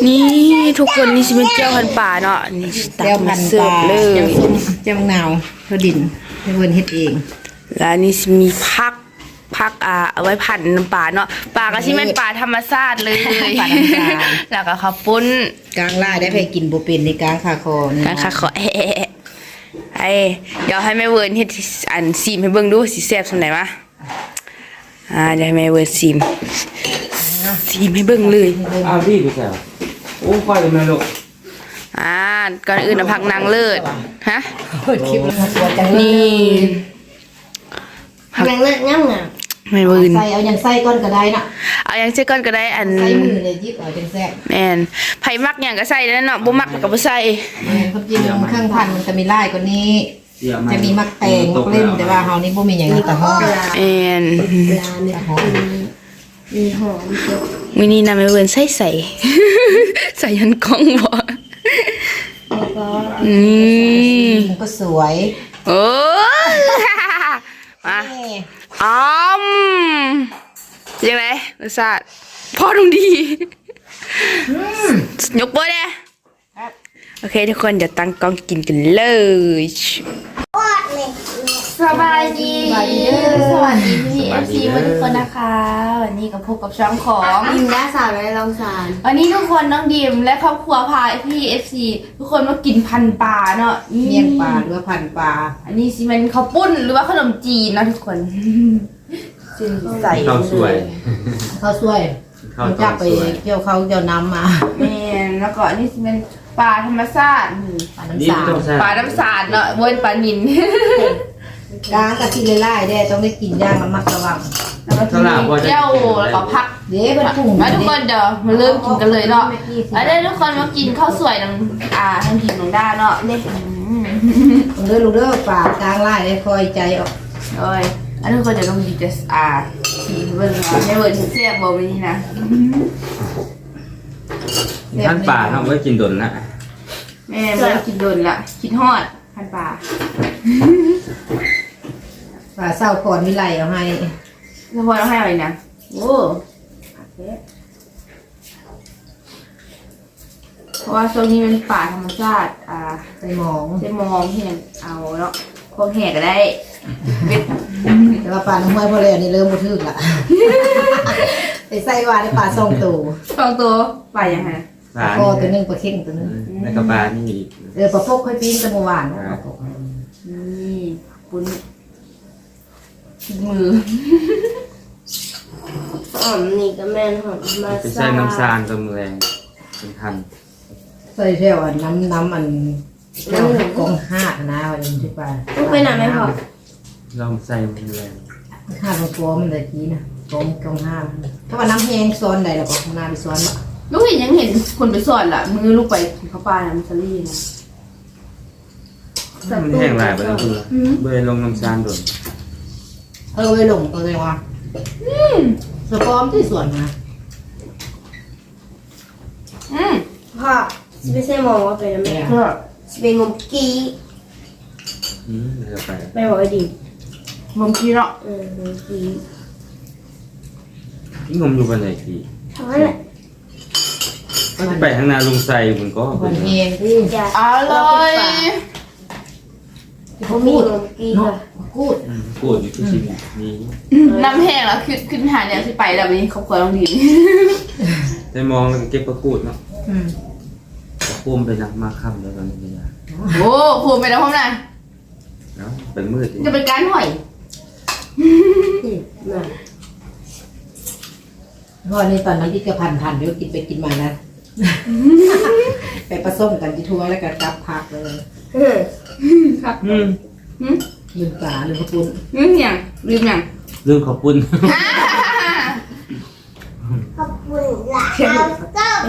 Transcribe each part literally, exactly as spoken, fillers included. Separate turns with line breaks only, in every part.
นี่ทุกคนนี่สิเป็นเจ้าพันป่าเนาะนี่ตักมาเสิร์ฟเลย
เจ้ามะนาวเขาดินให้เพิ่นเฮ็ดเอง
แล้วนี่สิมีพักพักอ่าเอาไว้ผัดน้ำปลาเนาะปลาก็สิเป็นปลาธรรมชาติเลยแล้วก็ข้าวปุ้น
กลางล่าได้ไปกินบ่เป็นในกลางคาคอนี่
กันค่ะขอแอะไอ้เดี๋ยวให้แม่เวิร์นเฮ็ดอันซีมให้เบิ่งดูสิแซ่บส่วนไหนวะอ่าเดี๋ยวให้แม่เวิร์นซีมซีมให้เบิ่งเลย
อ้าวพี่ไปแซวโอ้ไฟเลยแม่ลูก
อ่าก่อนอื่นนะพักนางเลิศฮะ
เปิดคลิปแล้วสวยจังเลย
นี่
ยังเลิกย่ำอ่ะ
แม่เวิร์น
ใส่เอาอย่างใส่ก้อนก็ได้น่ะ
เอาอย่างเช่นก่อนก็ได้อัน
ใส่มือเลยยิบเอาจังแซ่บ
แม่นไผมักหยังก็ใส่แล้วเนาะบ่มักก็บ่ใส่
แม่นความจริงเครื่องพันมันจะมีลายกว่านี้
เสียไห
จะมีมักแตงมักเล่มแต่ว่าเฮานี่บ่มีหยังนี่แต่หอม
แม่น
ปลาเนี่ยมีหอมเยอะ
มื้อนี้นะแม่เวิร์นใส่ใส่ ใส่ยันกล้องบ่
แล้วก็
อืม
มันก็สวย
โอ้ย มา
นี่
อ้อมยังไงรสชาติพอตรงดียกโป้เนี่ยโอเคทุกคนเดี๋ยวตั้งกล้องกินกันเลย
สบายดีสวัสดีพี่เอฟซีทุกคนนะคะวันนี้ก็พบกับช่องของอิมและสาวและลองสารวันนี้ทุกคนน้องดิมและครอบครัวพาพี่เอฟซีทุกคนมากินพันปลาเนาะ
เมี่ยงปลาหรือว่าพันปลา
อันนี้ซีเป็นข้าวปุ้นหรือว่าขนมจีนนะทุกคนจีนใส่
ข้าวสวย
ข้าวสวย
ข้าว
มัน
ต้
จะ
ม
ไป
สวย
เกี่ยวเขาเกี่ยวน้ำมา
แม่แล้วก็อันนี้ซีเป็นปลาธรรมชาติ
ปลา
นี่
น้ำสา
ไม่ต้องแซ่บ
ปลาน้ำสาดเนาะเว้นปลานิน
กลางกะทิไล่ๆได้ต้องได้กินย่างระมัดระวัง
แล้วก็มีเจ้าแล้วก็พัก
เดี๋ยวเพิ่นปรุง
มาทุกคนเดี๋ยวมาเริ่มกินกันเลยเนาะมาได้ทุกคนมากินข้าวสวยนังอ่าทั้งกินนังด้าเนาะเนี่ย
เด้อลูกเด้อปลากลางไล่ได้คอยใจออก
โอ้ยอันทุกคนเดี๋ยวต้องดีจะอ่าสีเบิ้ลเนาะให้เบิ้ลเสียบบอกไปนี่นะ
ท่านป่าทำไว้กินดนนะ
แม่เบิ้ลกินโดนละกินฮอดพันปลา
ปลาเศร้าก่อนวิไลเอาให้
แล้วพอเราให้อะไรนะโอ้เพราะว่าโซนนี้เป็นป่าธรรมชาติอ่า
ใส่หมอง
จะมองเห็นเอาเนาะพวกแหกก็ได้เบ็ด
แต่ว่าปลาน้ำห้วยพอแล้วนี่เริ่มบ่ถึกละไปใส่ว่าได้ปลาสองตัว
สองตัวป่ายังไง
ปลา
คอตัวหนึงปลาเข่งตัวหนึง
ในกระปลานี่อีก
เออปลาพกค่อยปีนแตะเมื่อวาน
นี่ปุ้นมือ
หอมนี่ก็แม่นหอมมา
ไปใส่น้ำซานตัวแรงเป็นพัน
ใส่แถวอันน้ำน้ำอันแถวกองห้านะวันนี้ที่ปลา
ต้องไปไหนไหมพ่อ
ลองใส่มันแรง
ห้าตัวตัวมันเลยกี้นะกองกองห้าถ้าว่าน้ำแห้งซ้อนใดแล้วก็ข้างหน้าไปซ้อนละ
ลูกเห็นยังเห็นคนไปสอนล่ะมือลูกไปเขาปลานะมันสลี่นะ
มันแห้งหลายไปแล้วคือเบยลงน้ำซานดน
เออไปหลงตัวเลยว่ะสปอมที่สวนนะ
อืม
พ่อสิไม่ใช่มองว่าเป็นแม่
ก็
สิเป็นงมกี้
อืมเดี๋ยวไป
แม่บอกว่าดี
งมกี้เนาะ
เอองมกี้
ที่งมอยู่บนไหนที
ทำอะไร
ก็จะไปข้างหน้าลุงใส่มันก็
วันแห้งที่
จะ
อร่อย
ที่เขา
มี
พูด
งมกี้
เนาะ
ค่ะ
พูด
พูดอยู่ที่ชิมนี่
น้ำแห้งแล้วขึ้นขึ้นหาเนี่ยที่ไปแล้ววันนี้เขาควรต้องดี
ได้มองแล้วก็เก็บประกูดเนาะ
อืม
พุ่มไปนักมาค่ำแล้วตอนนี้เป็นยัง
โอ้พูดไปแล้วพ่อนะ
เนาะเป็นมืดอีก
จะเป็นการห่อย
น่ะ
เพราะนี่ตอนนั้นที่กระพันพันเดี๋ยวกินไปกินมานะ ไปผสมกันที่ทัวร์แล้วก็จับพักเลย
เออ
ครับ
อืม
หืม
ลืมปลาลืมกระปุน
ลืมยังลืมยัง
ลืมขอบคุณ
ขอบคุณหลานก็ไป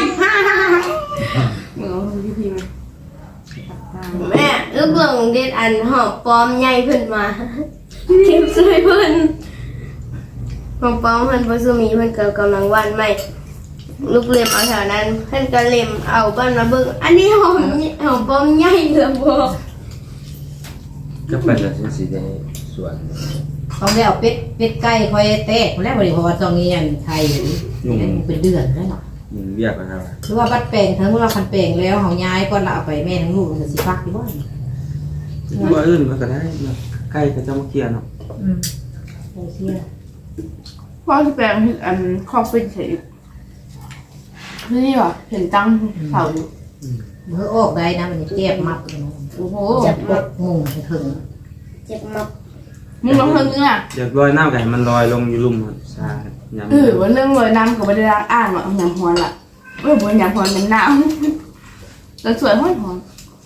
มือพี่พีมา
แม่ลูกหลงเด็ดอันหอมปลอมใหญ่เพิ่นมาเก็บช่วยเพิ่นหอมปลอมเพิ่นบ่ซุมีเพิ่นก็กำลังวันใหม่ลูกเล็มเอาแถวนั้นเพิ่นก็เล็มเอาบ้านมาเบิ่งอันนี้หอมหอมปลอมใหญ่เหลือบ่
ก็ไปแล้วสิได้สวน
ต้องได้เอาเป็ดเป็ดไก่คอยแตกแล้วบริพอตรงนี้ยังไทยอยู่นี่เป็นเดือนแล้วเนาะ
หมุนเวียกกันครับ
หรือว่าบัดแปลงทั้งว่าคันแปลงแล้วเฮาย้ายก่อนละเอาไปแม่ทั้งลูกมันสิฟักอยู่บ่
ว่าอื่นมันก็ได้เนาะใกล้ก็จะมาเคลียร์เนาะ
อืมโอเค
พ่อที่แปลงอันครอบเป็นเฉยนี่ว่ะเห็นตั้งเสาอยู่
เมื่อออกได้นะมันเจ็บมัด
โอ้โห
จับปกมุงถึง
เจ็บมัก
มึงลองเพิ่งนึงอ่ะ
เดี๋ยวลอยน้ำไก่มันลอยลงอยู่ลุ่มมันใช่ยำ
เออว่าเรื่องลอยน้ำกับไม่ได้ล้างอ่างหรอกหยำฮอนล่ะเออบนหยำฮอนเป็นน้ำแต่สวยฮอนฮอน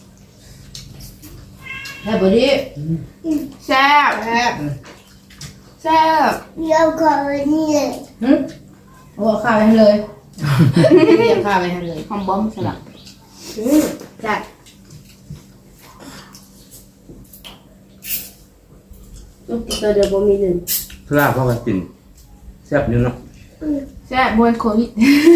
แค่บ่ดี
แซ่บ
แซ่บ
แซ่บ
เดี๋ยวก่อนนี่เลย
หึโอ้ข้าวไปให้เลยเรียกข้าวไปให้เลย
หอมบอมสลัด
จัดลูกตัวเดียวบ่มีหนึ่ง
เพื่อพ่อกันกินแซ่บอยู่เนาะ
แซ่บบนโควิด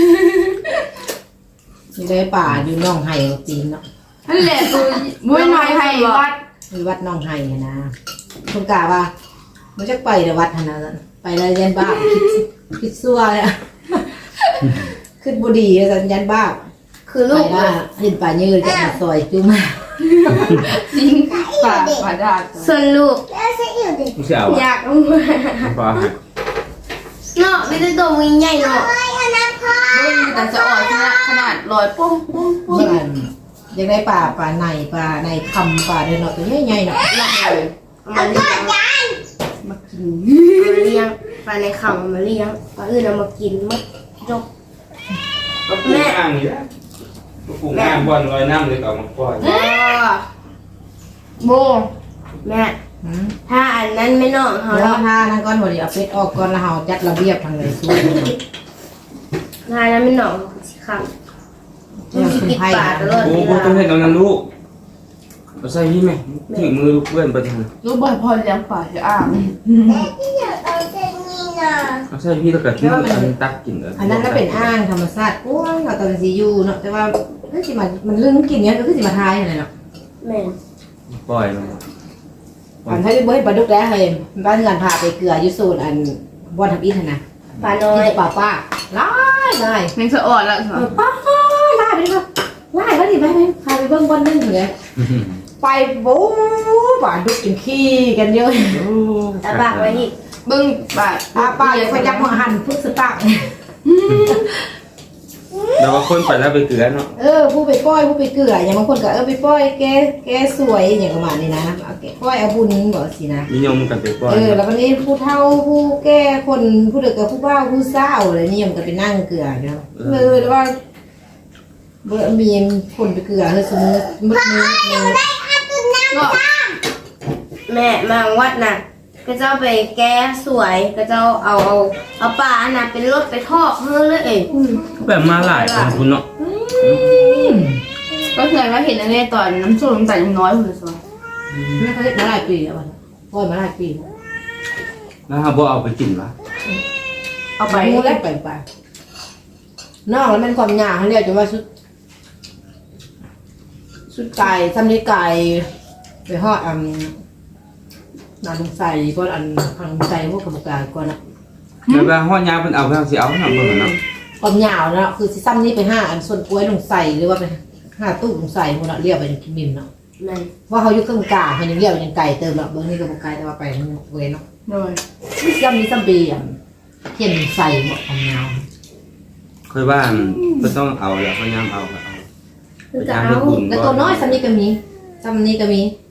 อยู่ในป่าอยู่น่องไห้จีนเนาะ
นั่นแหละตัวบุ้ยน้อยให้วัด
มีวัดน่องไห้นะคุณกาว่ามันจะไปแต่วัดนะไปแล้วยันบ้าคิดคิดซัวเลยขึ้นบุดีสัญญาณบ้า
คือ
ไป
ลูก
ว่าเห็นป่ายืดจะมาซอยจุ่ม
จริงป่าป่าดาด
ส่วนลูก
ไม่ใช่เอา
อยากเอามา
ปลา
เนาะไม่ได้ตัววิ่งใหญ่เนาะ
บุ้ยแต่จะอ่อนขนาดขนาดลอยปุ้งปุ้งปุ้ง
เมื่อกันยังได้ป่าป่าในป่าในคำป่าเดินเนาะตัวใหญ่ๆเนาะ
หลักเลยเอามาเลี้ยง
มากิน
เอามาเลี้ยงปลาในขังเอามาเลี้ยงปลาอื่นเอามากินมัดจบ
ก็ปลูกอ่างอยู่แล้วปลูกอ่างบอลลอยน้ำเลยต่อมาปล่อย
โบ
แม่ถ้าอันนั้นไม่นอกเขา
เดี๋ยว
แล้ว
ถ้านั่นก้อนหัวดีเอาเป็ดออกก่อนแล้วเราจัดระเบียบทางเลยสู้
ถ้าอันนั้นไม่นอกเขาสิครับมันสิปิดปากตลอด
โอ้
เว
โห
ลา
ต้องเห็นตรงนั้นลูกเอาใส่พี่ไหมถึงมือลูกเพื่อนไปทาง
รู้บ่อยพอเลี้ยงป่าจะอ่าง
เอาใส่พี่แล้วก็ทิ้งอันตักกินเลย
อันนั้นก็เป็นอ้างธรรมชาติกว้างเราตอนซียูเนาะแต่ว่าเฮ้ยสิมามันเรื่องกินเนี้ยก็คือสิมาทายอะไรเนาะ
แม่
ปล่อยมัน
อันถ้าได้เบิ้ลปลาดุกแล้วเลยบ้านเงินพาไปเกลือยุโซนอันบอนทับอินนะ
ปลาน้อย
ป่าป้าไล่ไล่
แมงสะอ่อนแล้ว
เออป้าไล่ไปดิครับไล่ไปดิไปไปพาไปเบิ้งบอนนึงเลยไปโบ้ป่าดุกกินขี้กันเยอะ
ตาปากไว้อีก
เบิ้งป่า
ป้าป้าอย่าไปยักมาหั่นพึ่งสตาร์
เดี๋ยวว่าคนไปแล้วไปเกลือเนาะ
เออผู้ไปป้อยผู้ไปเกลืออย่างบางคนก็เออไปป้อยแกแกสวยอย่างประมาณนี้นะเอาแกป้อยเอาบุญบอกสินะ
นิยมกันไปปล่อย
เออแล้ววันนี้ผู้เฒ่าผู้แก่คนผู้เด็กกับผู้บ้าผู้เศร้าอะไรนี่ยังก็ไปนั่งเกลือเนาะเลยแล้วว่าเบอร์มีคนไปเกลือเฮ้ยสมมติมืดมืดมืด
ก็
แม่มาวัดน่ะก็เจ้าไปแก้สวยก็เจ้าเอาเอาเอาปลาอันน่ะเป็นรถไปทอดเฮ้เลยเอ้ย
แบบมาหลายคนคุณเนาะ
ก็เคยมาเห็นอันนี้ตอนน้ำส้มน้ำตาลยังน้อยอยู่เลยสิ
ไม่เคยมาหลายปีแล้ววันป้อยมาหลายปี
แล้วเขาบอกเอาไปกินวะ
เอาไป
ไปมูแล้วไปไปนอกแล้วมันความหยาเขาเรียกจะว่าชุดชุดไก่ซ้ำนี้ไก่ไปห่อดอันนานใส่ก็อันทางใส่พวกกระบอกกาก่อนนะ
แล้วว่าห้อยาเป็นเอาไปเอาสิเอาหน่อยเบิ่งเนาะ
ความยาวเนาะคือซิซ้ำนี้ไปห้าอันส่วนกล้วยลงใส่หรือว่าไปห้าตู้ลงใส่พวกเราเรียกไปกินมิมเนาะ
แม่
ว่าเขาอยู่เครื่องกาเขายังเรียกยังไก่เติมเนาะเบิ้งนี่ก็บอกไก่แต่ว่าไปมันเวยเนาะ
โดย
ซ้ำนี้ซ้ำปีอ่ะเขียนใส่หมดความยาว
เคยว่าก็ต้องเอาแล้วห้อยาเอาก็เอา
คือจะ
ยาม
เอา
ให้คุณ
แล้วตัวน้อยซ้ำนี้ก็มีซ้ำนี้ก็มี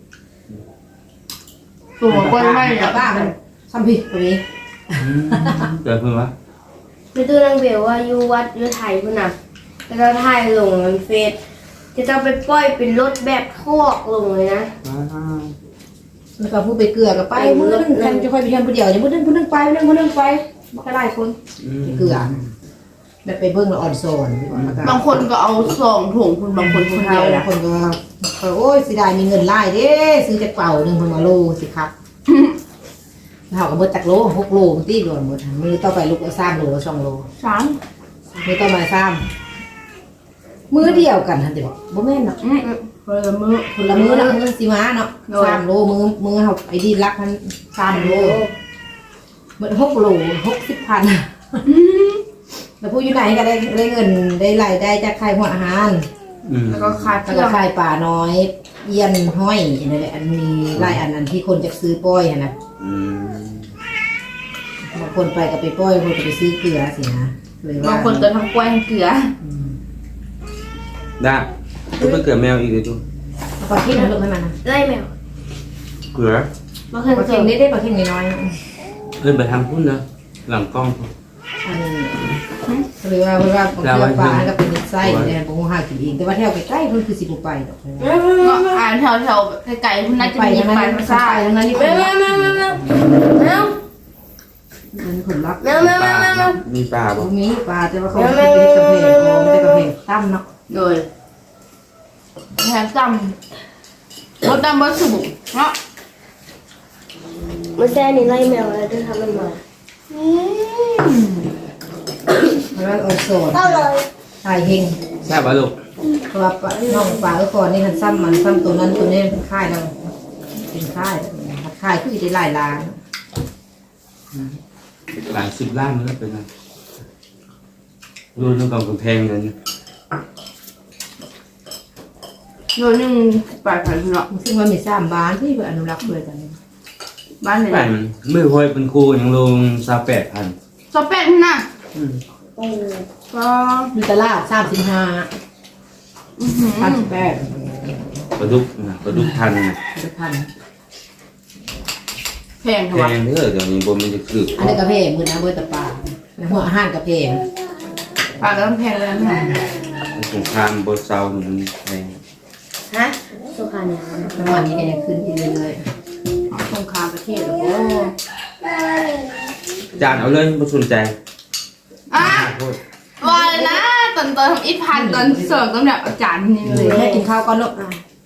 ตัวกล้วยไม่
แต่
อะ
บ้ามันซ้ำพี่ก็มี
เกิดเพิ่งวะ
คือตัวนางเบลว่าอยู่วัดอยู่ไทยพุ่นน่ะก็เจ้าถ่ายลงในเฟซจะเจ้าไปปล่อยเป็นรถแบบทอกลงเลยนะ
แล้วก็ผู้ไปเกลือก็ไปมือนึงท่านจะค่อยไปเที่ยวผู้เดียวอย่างมือนึงผู้นึงไปมือนึงผู้นึงไปมันก็ไล่คนไปเกลือแบบไปเบิ้งแล้วอ่อนโซน
บางคนก็เอาซองถุงคุณบางคนคนเดียว
บา
นะ
งคนก็ว่าโอ้ยสิได้มีเงินไล่เด้ซื้อจากเป่าหนึ่งพันมาโลสิครับเขาก็เบิดจากโลหกโลมันตีโดนหมดมือต่อไปลูกสามโลสองโล
สาม
มือต่อมาสามมือเดียวกันทันทีบอกบ่แม่นเนาะ
อืมคนละมือ
คนละมือเนาะมือสิมาเนาะสามโลมือมือเขาไอ้ดีรักพันสามโลเบิดหกโลหกสิบพันแล้วผู้อยู่ไหนก็ได้ได้เงินได้รายได้จากขายหัวอาหาร
อืม
แล้วก็ขาด
แล้ว
เพื่
ก็
อ
ขายป่าน้อยเอียนห้อยนั่นแหละอันมีหลายอันนั้นที่คนจะซื้อป้อยอะนะ
อืม
บางคนไปก็ไปป้อยบางคนก็ไปซื้อเกลือสินะเลยว่า
บางคนก็ทั้งกล้วยทั้งเกลือ
อืม
ได้ก็ไปเกิดแมวอีกเลยจู
เอาปลาเค็มมาลงให้มันนะ
ไล่แมว
เกลือ
มาเคย
ปลา
เจ
เค็
อ
มได้ได้ปลาเค็มน้อยๆนะ
เพื่อนไปทางพุ่นนะหลังกล้อง
อันหรือว่าเวลาของเกลือปลาก็เป็นไส้เนี่ยบางคนหากินเองแต่ว่าแถวใกล้ๆเพิ่นคือสิบไปดอก
เนาะอ่านแถวแถวๆไกลๆคุณน่าจะ
ไป
มี
ทั้ง
ป
นั้
ลาน
มัน
ซ่า
ไปทั้งนั้นนี่
แม
เป็น
วแมวแมวแมวแมวแมว
มันผลลัพธ์
แมวแมวแมวแมวแมว
มีปลา
ต
บ่
รงนี้ปลาแต่ว่าเขาไม่ได้เป็นกระเพงโอ้ไม่ได้กระเพงตั้มเนาะ
โดยแทนจำรถดำบนสุบุเนาะ
มันแซ่นี่ไล่แมวแล้วจะทำมันมา
แล้วโอโซน
เข้าเลย
ชายเฮง
แซ่บปะลูก
เพราะว่าปลาน้องปลาก็ก่อนนี่มันซ้ำมันซ้ำตัวนั้นตัวนี้เป็นค่ายเราเป็นค่ายค่ายคือจะได้หลายล้าน
หลายสิบล้านแล้วเป็นไงดูนึกกำแพงเลยนี่
โดยหนึ่งปลายพันธุ์เนาะ
ซึ่งว่ามีสามบ้านที่เพื่ออนุรักษ์เลยกัน
บ้านไหน
แปดมันไม่พอยเป็นครูยังลงซาแปดพัน
สเปนน่ะ
โอ้
ก็
มีตลาดสามสิบห้า
อื้อหือ
สามสิบแปด
ปลาดุกนะปลาดุกพันนะ
จะพัน
แพง
แพ
เถอะวะ
งเด้อเดี๋ยวนี้บนมันจะคือ
อันนี้กระเพงมือนะเบอร์ตะปลาแล้วหัวอาหารกระเพง
ปลาก็ต้องแพงเลยนะ
สงครามบนเซามันแพง
ฮะสุขาเนี่ย
น้ำมันนี่ก็ยังขึ้นอีกเรื่อย
สงครามประเทศโอ้
จานเอาเลยไม่สนใจ
อ่ะ
โทษ
ว่าเลยนะตอนตอนทำอีพันตอนเสิร์ฟต้องแบบอาจารย์นี่
ๆ
เล
เลย ยให้กินข้าวก่อนลูก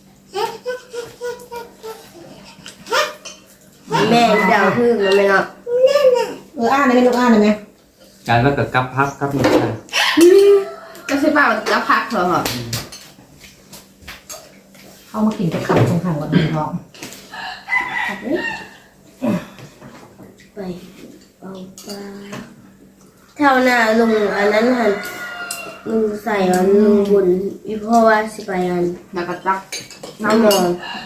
แม่เดาพึ่งแล้วไหมเนาะ
เอออ่านได้ไหมลูกอ่านได้ไหม
จานแล้วก็กับพักกับไม่ใช่
ก็ใช่ป่ะแล้วพักเถอะ
เข้ามากินกับข้าวตรงข้างกับน้องท้อง
ไปเอาปลาแถวหน้าลุงอันนั้นหันลุงใส่อันลุงบุญวิพ่อว่าสิไปอัน
แล้วก็ตัก
น้ำมอง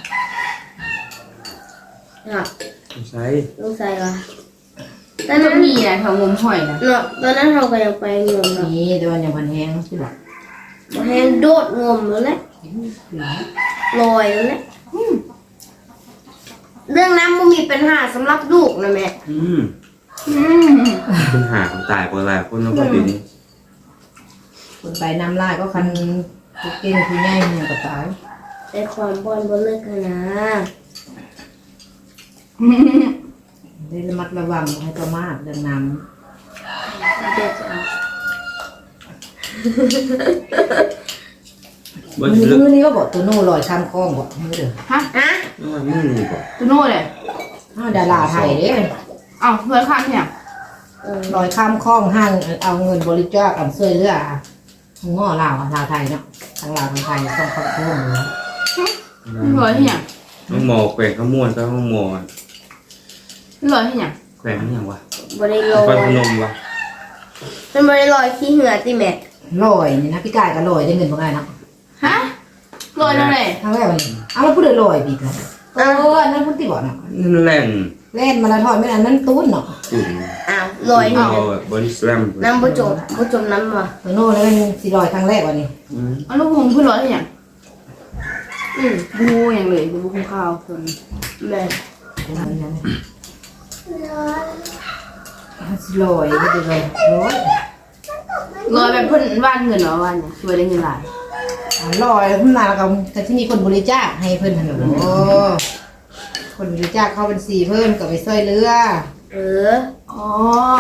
อ่ะ
ไม่ใช่
ลุงใส่วะต
แต่
อน
มั
นั้น น
มีนะแถวงมหอยนะ
เนาะตอนนั้นเราก็ยังไปงมเนาะ
นี่แต่ว่าอย่างพันแห้งใช่ปะ
มาให้โดดงมแล้วแหละลอยแล้วแหละอืมเรื่องน้ำมันมีปัญหาสำหรับลูกนะแม่
อืม
อืม
ปัญหาของตายเพราะอะไรคนเราก็ปีนี้
คนไปน้ำลายก็คันเก่งคือง่ายมันก็ตาย
แต่ความบอลบนเลิกกันนะ
ได้ระมัดระวังให้ประมาทเรื่องน้
เดี๋ยวจะเอา
ำ
บ่
มือ
ลึก
มือนี้ก็บอกตัวโน่ลอยข้ามคลองบอกมือเด้อ
ฮะ
ฮะ
ว่ามือนี่บ่
ตัวโน่เลย
อ้าวดาราไทยเด้
อ้าวเพื่อนข้างเนี่ย
เออ
ลอยข้ามคลองห้างเอาเงินบริจาคกับช่วยเหลือง้อลาวลาวไทยเนาะทางลาวทางไทยต้องเข้าร่วมเลย
เพื่อนที่เนี่ย
ต้องหมอแขวงขมวนก็ต้องหมอ
เพื่อนที่เนี่ย
แขวงนี่ยังวะ
บริลอ
ไป
ย
พนมวะ
มันบริลอยขี้เหงื่อติแม่
ลอยนี่นะพี่กายก็ลอยได้เงินบ่ไงเนาะ
ฮะลอยนั่นเลย
ครั้งแรกวันนี้เอาแล้วพูดเลยลอยปีกันเออนั่นพูดติบ่เนาะ
นั่นแหละ
เล่นมาราธอนไม่นานนั่นตุ้นเนาะ
ตุ่น
อ้าวลอย
เอา
นี่
บริสแลม
น้ำบ่จมบ่จมน้ำว่ะ
ตัวโน่แล้วมันสิลอยครั้งแรกวันนี้
อืม
เอาลูกพุงเพื่อนลอยที่เนี่ย
อืม
บูอย่างเลยบูคุ้มข้าวส่วน
แม่
ลอยก็จะลอยลอย
ลอยแบบเพื่อนว่านเงินเหรอว่านเนี่ยช่วยได้เงินหลาย
ลอยแล้วพุ่นมาแล้วก็แต่ที่มีคนบริจาคให้เพิ่นหั่นโอ้คนบริจาคเข้าบัญชีเพิ่นก็ไปช่วยเหลือ
เออ
อ๋อ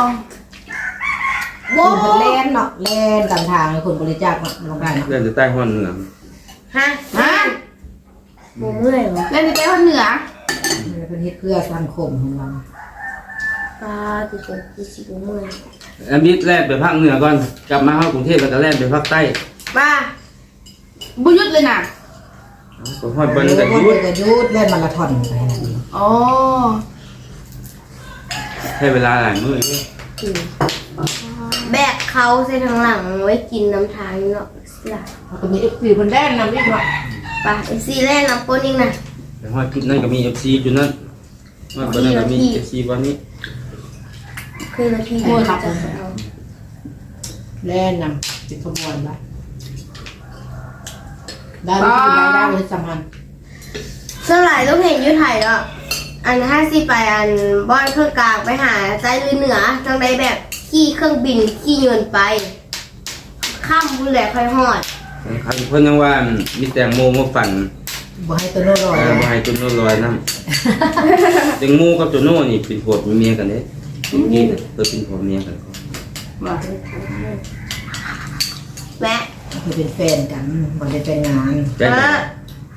คนเพิ่นเล่นเนาะเล่นตามทางคนบริจาคเนาะลงได้เนาะ
เล่นจะใต้ห้องเหนือ
ฮะ
ฮะ
บ่เมื่อยเหรอ
เล่นในใต้คนเหนือ
เพิ่นเฮ็ดเพื่อสังคมของเรา
ปลาติดคือสิบ่เมื่อย
อันนี้แล่นไปภาคเหนือก่อนกลับมาเข้ากรุงเทพแล้วก็แล่นไปภาคใต้
ป้า
บุยุดเลยน่ะ
ก็ฮอดบน
เออ
กัน
คน
ยุด
ก็ยุดเล่นมาราธอนไปนะ
อ๋อ
ใช้เวลาหลายมื้ออยู่
อืม
บ
แบกเขาใส่ทางหลังไว้กินน้ำทางเนาะเสีย
เขาก็มีเอฟซีคนแรกนำอีกเนาะ
ป่ะเอฟซีแล่นน้ำปนอีกนะ
แต่ว่าจุดนั้นก็มี เอฟ ซี จุดนั้นว่าบนนั้นก็มี เอฟ ซี วันนี้
เคยละทีจะไปเอา
แล่นำเป็นขบวนละได้ไม่ได้ได้เลยสำคัญ
สลายต้องเห็นอยุไทยแล้วอันห้าสิไปอันบอนเครื่องกลางไปหาใจหรือเหนือจังใดแบบขี่เครื่องบินขี่เงินไปข้ามบุญแหลกค่อยหอด
ใครเพิ่นยังว่ามีแตงโมมาปั่น
บ่ให้ตัวโน่นลอย
เออบ่ให้จุนโน่ลอยน้ำแตงโมกับจุนโน่นี่เป็นผัวเป็นเมียกันเด้นี่เปิดเป็นผัวเมียกัน
ว่า
แม่
คือเป็นแฟนกันบ่ได้แต่งงาน
ใจเย็น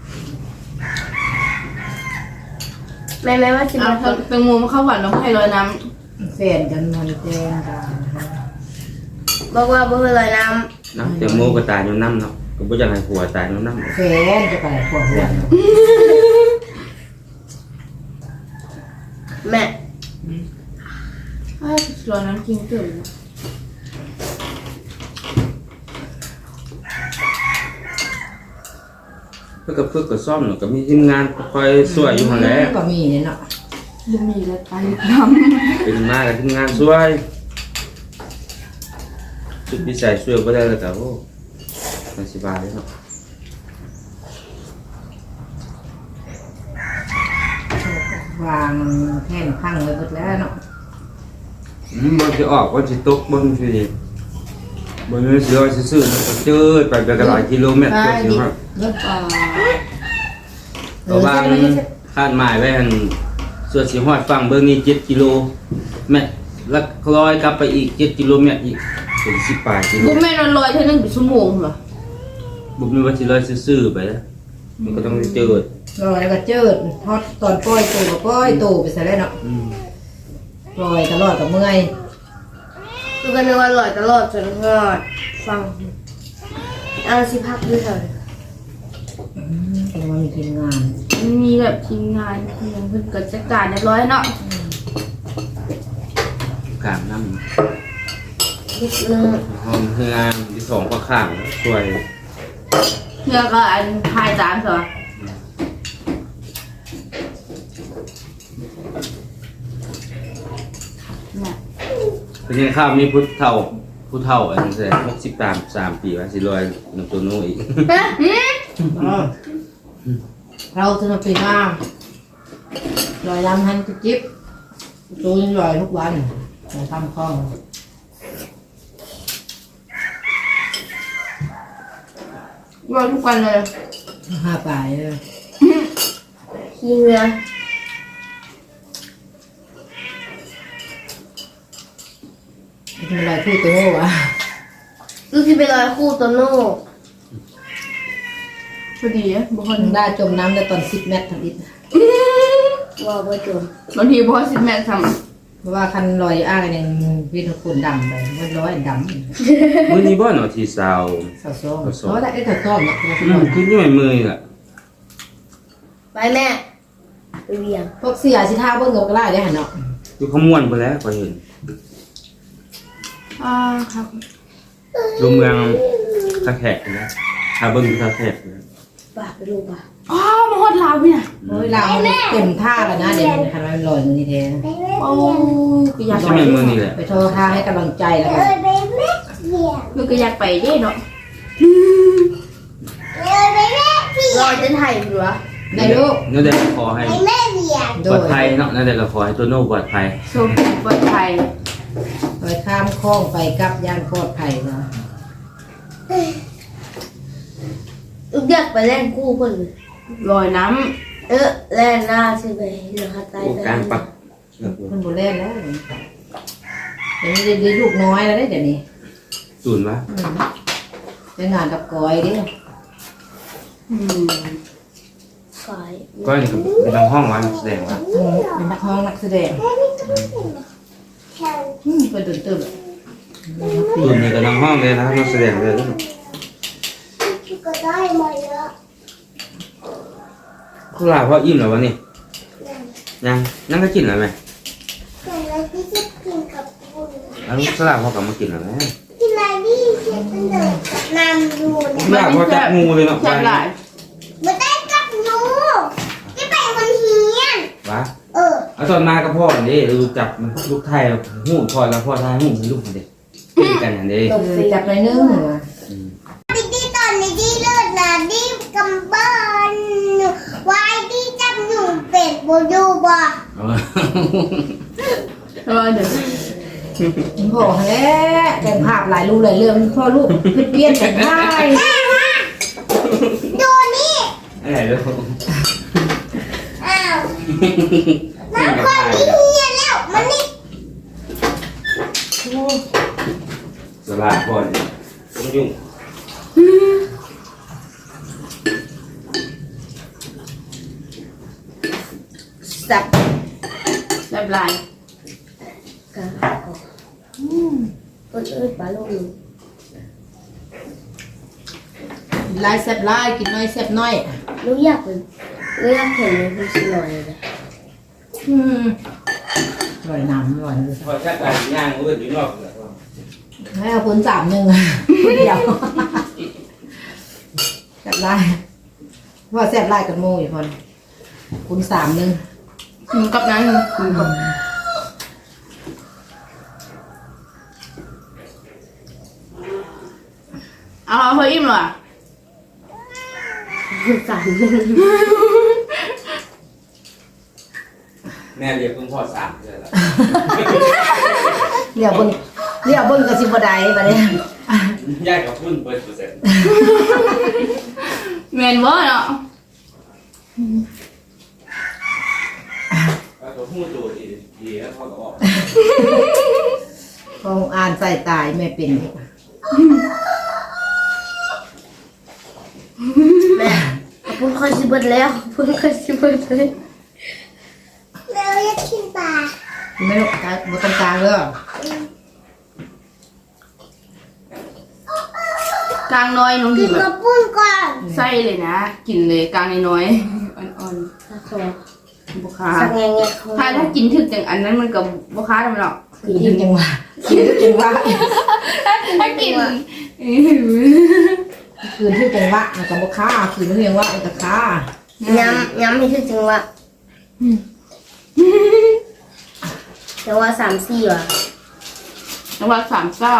แม่แม่ว่าสิ
เอา
มาท
แตงโมมาเข้าหวานแล้วให้ลอยน้
แฟนกันมันแต่งกัน
ำบอกว่าบ่เคยลอยน้
นะแตงโมก็ตายอยู่น้ำเนาะก็บ่อยากให้ผัวตายอยู่น้ำ
แฟนจะไปขวดหัว
ำแม่
ำให้ลอยน้ำจริงตื่น
เพื่อกับเพื่อกับซ่อมเนาะก็มีทีมงานคอยช่วยอยู่หั่นแหละ
ก็มีเนี่ยเนาะ
บุมีแล้วตายน้
เป็นมากับทีมงานช่วยชุดพิเศษช่วยบ่ได้แล้วก็โอ้มันสิบาทเลยเนาะ
วางแท่นพังไว้หมดแล้วเนาะ
อืมมันสิออกว่าสิตกเบิ่งสิดิบ่มีสิลอยซื่อๆมันก็เจิดไปไปกันหลายกิโลเมตรก็สิฮอด
เนาะ
ำอ่า
เพราะว่าคาดหมายไว้หั่นส่วนสิฮอดฝั่งเบิ่งนี่เจ็ดกิโลเมตรแล้วคล้อยกลับไปอีกเจ็ดกิโลเมตรอีกเป็นสิบปลายกิโล
บุแม่นอนลอยเท่านึงเป็นชั่วโมงเหรอ
บ่มีว่าสิลอยซื่อๆไปนะมันก็ต้องเจิด
ลอยแล้วก็เจิดทอดตอนปล่อยตัวก็ปล่อยตัวไปซะแล้วเนาะ
อืม
ลอยตลอดกับเมื่อย
ดูกันนึกว่าลอยตลอดจนหอดฟังเอาสิพักด้วยเถอะ
อืมแต่ว่ามีทีมงาน
มันมีแบบทีมงานทีมเพิ่นก็จัดการเรียบร้อยเนาะ
กลางน้
นิดนึง
ำห้องเฮือนที่สองก็ข้างแล้วช่วย
เพื่อก็อันพายตามเหรอเนี่ย
เป็นยังข้าวมีผู้เฒ่าผู้เฒ่าอันนั้นแหละหกสิบสามสามปีว่าสิลอยน้ำตัวโน้อีก
อ๋อเราสนุกปีมากลอยลำหันจิ๊บตัวยังลอยทุกวันเราทำคล้อง
รอทุกวันเลย
ห้าปลายเลย
ขี้เงือ
ทำอะไรพูดตัววะ
ลูกที่ไปลอยคู่ตัวโน่
พอดีอะบางคน
ได้จมน้ำได้ตอนสิบเมตรทำอิฐ
ว่าบ่จม
บางทีบอสิบแม่ท
เพราะว่าคันลอยอ้างหนึ่งวิทย์คุณดำไปมันร้อยดำ
มื้อนี้บ่เนาะที่สาว
สาวส้มเพราะได้ไอ้ตัวส้มเนี่ย
อืมคือนี่ไม่มือล่ะ
ไปแม่ไปเวียง
พวกเสียสิท่าเบิ้งกับกระไรได้หันเนาะ
อยู่ขมวนไปแล้วก็เห็น
ำอ่าครับ
ดูเมืองตะแขกนะถ้าเบิ่งอยู่ตะแขกนะ
ป่าไปดูป่า
อ๋อมาฮอดลาวเนี่ย
โอ้ยเราเต็มท่าแล้วนะเดี๋ยวคันมันลอยมือนี่แท้
โอ้ก็อยาก
ใช่
ไป
ไหมมือนี่แหละ
ไปโทรท่าให้กำลังใจแล้วกัน
คือก็อยากไปเด้เนาะ
ลอยจนไถ่หัว
ในลูก
นั่นแหละขอให้
โด
ปลอย ดภัยเนาะนั่นแหละก็ขอให้ตัวโน้ปลอดภัย
โชคดีปลอดภัย
ลอยข้ามคลองไปกับย่านปลอดภัยเนาะ
ลูกอยากไปเล่นคู่เพิ่นเลย
ลอยน้
เออเล่นหน้าใช่ไหมเดี๋ยวเขาตาย
โอ้กลางปัก
มันบุเล่นแล้วเดี๋ยวนี้ได้ลูกน้อยแล้วเดี๋ยวนี้
ศูนย์วะ
ไปงานกับกอยดิ
ำอืม
สาย
ก็นี่ก็เป็นทางห้องวันแสดงว่า
เป็นนักร้องนักแสดงเป็นตื่นตื่น
ศูนย์นี่ก็ทางห้องเลยนะครับนักแสดงเลย
ก็ได้มาเยอะ
เขาลาเพราะอิ่มแล้ววะนี่ยังยังก็กินแล้วไหม
แต่เราที่จะกินกับคุณ
แล้วลูกสลากพอกลับมากินแล้วนะ
กินอะไรดิเช็ดตั้งแต่น้ำดูเนี่ย
สลากพอจับงูเลยเนาะ
แซ่บหลาย
ไม่ได้กับหนูที่ไปคนเฮียน
วะ
เออ
เอาตอนมากับพ่อนี่ลูกจับมันลูกไทยหูพ่อแล้วพ่อไทยหูลูกมันเด็กกินกันอย่างนี้
ตกไปจับในอยนึง
ดิดีตอนนี้ดีเลิศนะดีกำบ้านวายดีจับหนูเป็ดโบดูบ่
เออเดี๋ยว
พ่อแล้วแต่งภาพหลายรูปหลายเรื่องพ่อลูกเปลี่ยนแต่งได้
ดูนี่
อะไรลูก
อ้าวน้ำคนที่เฮียนแล้วมันนี่
สลากพ่อนี่ต้องยุ่ง
จับ
แซ่บหลาย
กะอืมเอ้ยเอ้ยปลาลูกหนู
ลายแซ่บลายกินน้อยแซ่บน้อย
ลูกอยากเป็นลูกอยากเห็นเลยพี่ชิลอยเลย
อืมลอยน้ำลอยเลย
พอชักการย่างเอื้อนอยู่นอก
ให้เอาคนสามหนึ่งคนเดียวแซ่บลายว่าแซ่บลายกันโม่อยู่คนคุณสามหนึ่ง
อืมกับนั้นอืมกับเอาเอาเฮ้ยอิ่มเหรอ
สามหนึ่ง
แม่เรียกเพิ่งพ่อสามเลยล่ะ
เดี๋ยวเบิ้งเดี๋ยวเบิ้งกระซิบบันไดบัดนี้
ยากกับพุ่นเปิดเปอร์เซ็นต์
แมนเวอร์เนาะ
แล้วก็พูดตัวดีดีแล้วพ่อก็ออก
พออ่านใส่ตายแม่เป็น
แม่พูดค่อยสิเบิดแล้วพูดค่อยสิเบิดเลยแล้วอยากกินปลา
ไม่ต้องการบนตรงกลางเลย
กลางน้อยน้อง
กิ
ดิ
น
แบ
กระ
บ
ปุ้นก่อน
ไส้เลยนะ กินเลยกลางน้อยๆอ่อน
สักตัว
ๆบุคา
สักแง่แง่เขา
ถ้าถ้ากินถึกอย่างอันนั้นมันกับบุคาทำไมหรอก
กินทุกจังหวะกินทุกจังหวะ
ถ้ากิน
คืนทุกจังหวะมันกับบุค่าคืนทุกจังหวะมันกับค่า
ย้ำย้ำให้ถึงจังหวะจังหวะสามสี่ว่ะ
ระหว่างสามซ่า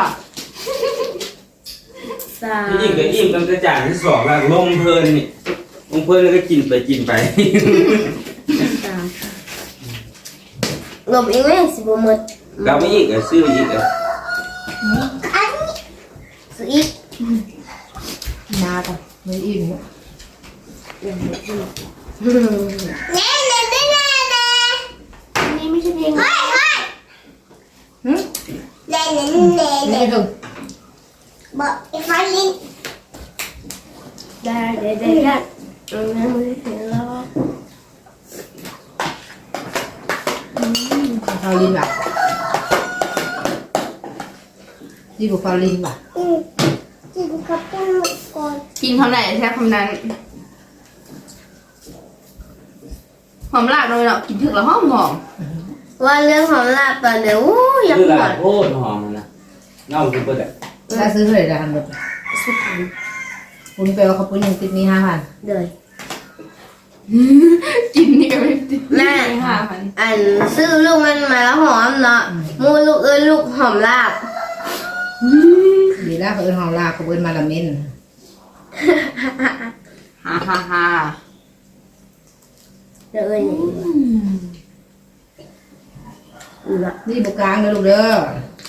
สาม
ยิ่งกับยิ่งตั้งแต่จ่ายที่สองแล้วลงเพลินนี่ลงเพลินแล้วก็กินไปกินไป
สามหลบอีกไหมสิบหมด
เราไม่อีกอ่ะซื้ออีกอ่ะ
อันนี้ซื้ออีก
นาต่อไม่อิ่ม
แน่แน่แน่แน่แน่นี่ไม่ใช่เพลงเฮ้ยเฮ้ย
หืม
แน่แน่แน่แน่
นี่ถึง
บอกไอ้ฟ้าลินได้ได้ได้ได้เออไม่ได้ถึงแล้ว
ฟาลินว่ะนี่บุฟาลินว่ะ
อืมจิบกับต้นก่อน
กินคำไหนแค่คำนั้นหอมลาบเลยเนาะกินถึกแล้วหอมหอม
ว่าเรื่องของลาบตอนเดี๋ยวอู้อยาก
คือ
ห
ห
ว
ลาน โคตรหอมนะเน่าคือเปิดอ่ะ
ถ้าซื้อเท่าไหร่ละพันบาท
สุดท้าย
คุณไปว่าเขาปุ้นยังติดมีห้าพัน
เลย
กินนี่ก็ไม่ติด
แม่
ห้าพัน
อันซื้อลูกมันมาแล้วหอมเนาะมูลูกเอ้ยลูกหอมลาบ
ดีแล้วเขาเอิ้นหอมลาเขาเอิ้นมาละเมิน
ฮ่าฮ่าฮ่า
เดี๋ยวเอ้ยนี่อือละ
นี่บุกลางเลยลูกเด้อ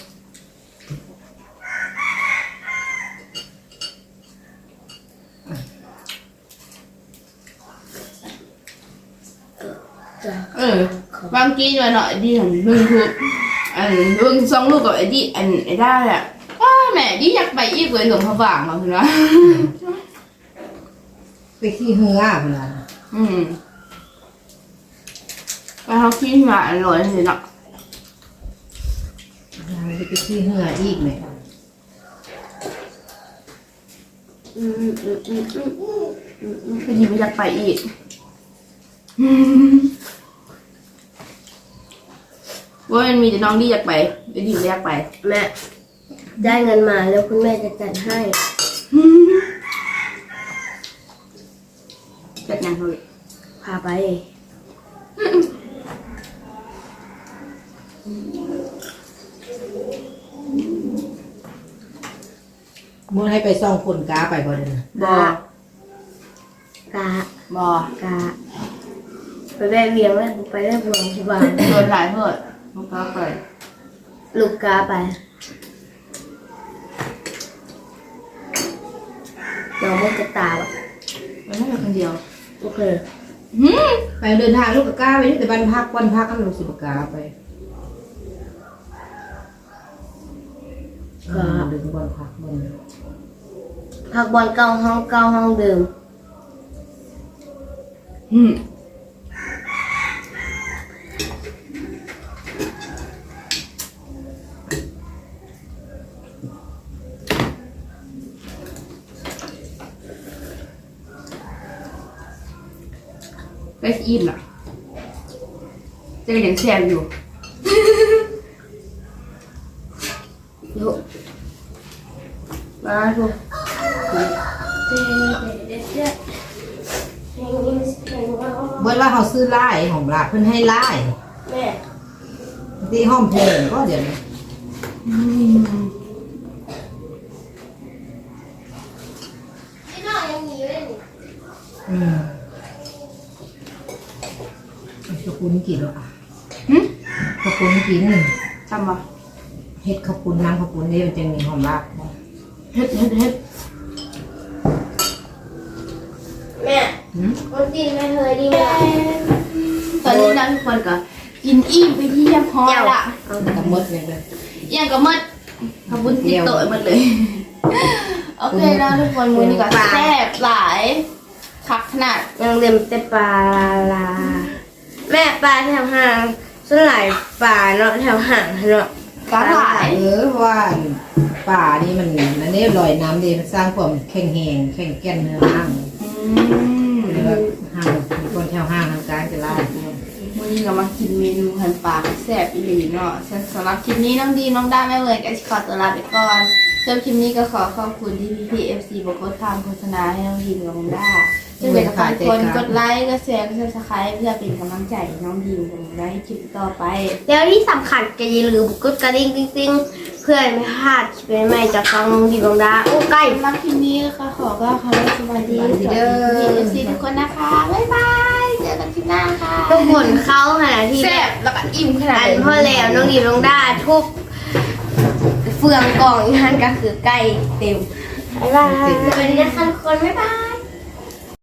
จ้ะ
เออบางทีหน่อยๆดีหันเบิ่งคืออันเบิ่งสองลูกกับไอ้ดีอันไอ้ได้แหละว้าแม่ดีอยากไปอีกเลยหลวงพระบางมาคือว่า
ไปขี้เหือพุ่นล่ะ
อืมไปเขากินมาอร่อยเลยเนาะ
ไปขี้เหืออีกไหม
อืมอืมอืมอืมอืมอืม
พอดีไม่อยากไปอีก เว
ว่ามันมีแต่น้องที่อยากไปไอ้ดิวอยากไป
แม่ได้เงินมาแล้วคุณแม่จะจัดให้
จัดงานเขาเลย
พาไป
มื้อให้ไปส่องคนกาไปบ่ได้นะ
บอก
กะ
บอก
กะไปแวะเวียงแล้วไปได้บวงที่บ้าน
โดนหลายเพื่อนลูกก็ไป
ลูกกาไปน้องไม่จะตาอ่ะ
มันไม่เป็นคนเดียว
โอเค
ไปเดินทางลูกกะกาไปนี่แต่บ้านพักวันพักกันลูกสิบกาไป
ก็
เดินวันพักวัน
พักบอลเก่าห้องเก่าห้องเดิม
อืมไปอิ่มอ่ะเจะยังแซวอยู่
ยุมาดู
เบิดว่าเขาซื้อไล่ของลาเพิ่นให้ไล่
แม่
ที่ห้องเพลงก็เดี๋ยวนี้
ที่น้องยังมีอยู่เลยนี่
อืมขอบคุณกินแล้วอ่ะ
หึ
ขอบคุณกิน
ทำมา
เฮ็ดขอบคุณน้ำขอบคุณนี่มันจะมีหอมราก
เฮ็ดเฮ็ดเฮ็ด
แม่
หืม
วันจีนไม่เคยดีไหม
ตอนนี้นะทุกคนก็กินอิ่มไปที่เรียบร้อยละ
กับมดเลยเลย
อย่างก็หมดขอบคุณติดโต๊ะหมดเลย โอเคนะทุกคนมื้อนี้ก็แซ่บหลายคักขนาด
ยังเต็มแต่ปลาลาแม่ปลาแถวห่างส่วนหลายปลาเนาะแถวห่างเนาะ
กาหลาย
เออเพราะว่าป่านี่มันอันนี้ลอยน้ำดีมันสร้างความแข็งแหงแข็งแก่นเนื้อห้าง
อืม
หรือว่าห้างมีคนแถวห้างทางการจะไล่พวก
มื้อนี้ก็มากินเมนูหันปลาแซ่บอีหลีเนาะสำหรับคลิปนี้น้องดีน้องด้าแม่เวิร์นก็ขอตัวลาไปก่อนสำหรับคลิปนี้ก็ขอขอบคุณที่พี่พีเอฟซีบอกว่าทำโฆษณาให้น้องดีกับน้องด้าจึงเป็นฝากคนกดไลค์กดแชร์กดซับสไครต์เพื่อเป็นกำลังใจให้น้องดีกับน้องด้าให้คลิปต่อไป
แล้วที่สำคัญก็อย่าลืมกดกระดิ่งติ๊งๆเพื่อไม่พลาดคลิปใหม่ๆจากฟังดีบงดาโอ้ใกล้
สำหรับคลิปนี้นะคะขอก็ขอสวัสดีสวัสดีเอฟซีทุกคนนะคะ บ๊ายบาย เจอกันคลิปหน้าค่ะ
ทุกคนเข้าขณะที่
แซ่บแล้วก็อิ่มขนาด
อัน
นี้
พ่อแล้วน้องดีบงดาทุกเฟืองกล่องอีกท่านก็คือใกล้เต็มบ๊ายบายสวัสดีนะคะทุกคนบ๊ายบาย